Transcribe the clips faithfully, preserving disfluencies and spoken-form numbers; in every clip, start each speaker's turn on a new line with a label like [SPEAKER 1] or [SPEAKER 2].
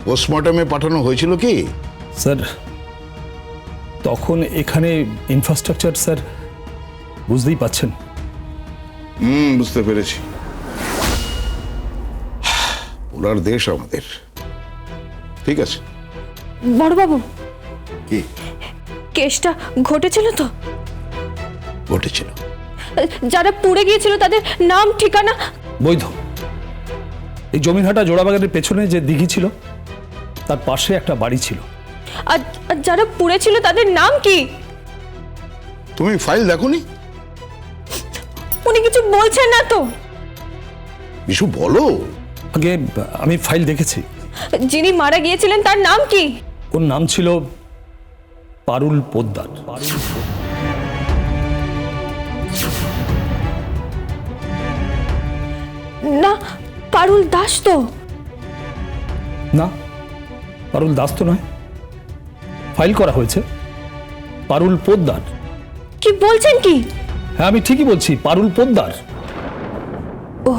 [SPEAKER 1] পোস্টমর্টমে পাঠানো হয়েছিল কি?
[SPEAKER 2] স্যার তখন এখানে ইনফ্রাস্ট্রাকচার স্যার বুঝতেই পাচ্ছেন।
[SPEAKER 1] হুম, বুঝতে পেরেছি। ওনার দেশ আমাদের। ঠিক আছে
[SPEAKER 3] বড়বাবু,
[SPEAKER 1] কি
[SPEAKER 3] কেসটা ঘটেছিল তো?
[SPEAKER 1] ঘটেছিল?
[SPEAKER 3] যারা পুড়ে গিয়েছিল তাদের নাম ঠিকানা?
[SPEAKER 2] বৈধ। এই জমিনহাটা জোড়াবাগানের পেছনে যে দিঘি ছিল তার পাশে একটা বাড়ি ছিল।
[SPEAKER 3] আর আর যারা পুড়েছিল তাদের নাম কি?
[SPEAKER 1] তুমি ফাইল দেখোনি?
[SPEAKER 3] উনি কিছু বলছেন না তো?
[SPEAKER 1] কিছু বলো।
[SPEAKER 2] আগে আমি ফাইল দেখেছি।
[SPEAKER 3] যিনি মারা গিয়েছিলেন তার নাম কি?
[SPEAKER 2] ওর নাম ছিল পারুল পোদ্দার।
[SPEAKER 3] না, পারুল দাস তো?
[SPEAKER 2] না, পারুল দাস তো নয়। ফাইল করা হয়েছে পারুল পোদ্দার।
[SPEAKER 3] কি বলছেন কি?
[SPEAKER 2] হ্যাঁ আমি ঠিকই বলছি, পারুল পোদ্দার।
[SPEAKER 3] ও,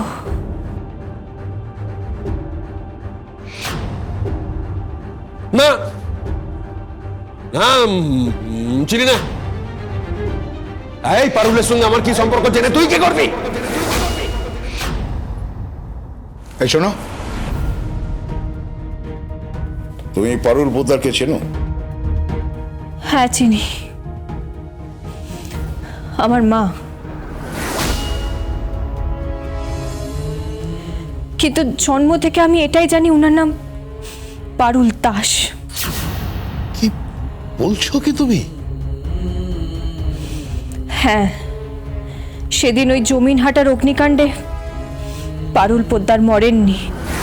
[SPEAKER 4] না না, উম, চিনি না। এই পারুলের সঙ্গে আমার কি সম্পর্ক জেনে তুই কি করবি?
[SPEAKER 1] এই শোনো, তুমি পারুল পোদ্দারকে চেনো?
[SPEAKER 3] হ্যাঁ চিনি। আমার মা। কিন্তু জন্ম থেকে আমি এটাই জানি ওনার নাম পারুল দাস।
[SPEAKER 1] কি বলছো কি তুমি?
[SPEAKER 3] হ্যাঁ, সেদিন ওই জমিনহাটার অগ্নিকাণ্ডে পারুল পোদ্দার মরেননি।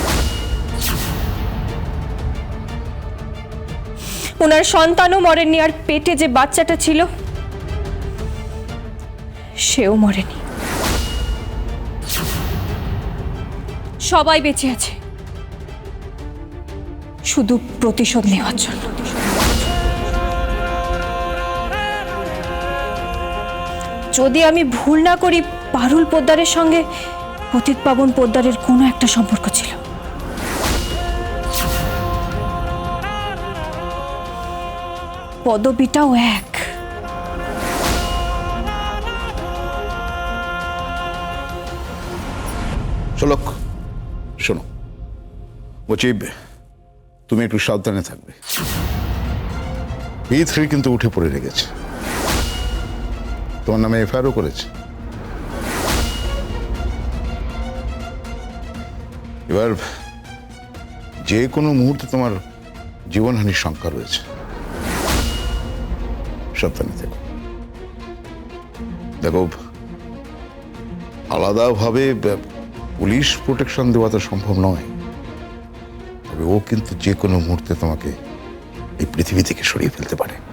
[SPEAKER 3] ওনার সন্তানও মরেননি, আর পেটে যে বাচ্চাটা ছিল সেও মরেনি। সবাই বেঁচে আছে শুধু প্রতিশোধ নেওয়ার জন্য। যদি আমি ভুল না করি, পারুল পোদ্দারের সঙ্গে পতিত পাবন পোদ্দারের কোনো একটা সম্পর্ক ছিল। পদবিটাও এক।
[SPEAKER 1] চলক, শোনো, বলছি তুমি একটু সাবধানে থাকবে। বি থ্রি কিন্তু উঠে পড়ে লেগেছে, তোমার নামে এফআইআরও করেছে। এবার যে কোনো মুহূর্তে তোমার জীবনহানির শঙ্কা রয়েছে, সাবধানে থেকো। দেখো, আলাদাভাবে পুলিশ প্রোটেকশন দেওয়া তো সম্ভব নয়, তবে ও কিন্তু যে কোনো মুহূর্তে তোমাকে এই পৃথিবী থেকে সরিয়ে ফেলতে পারে।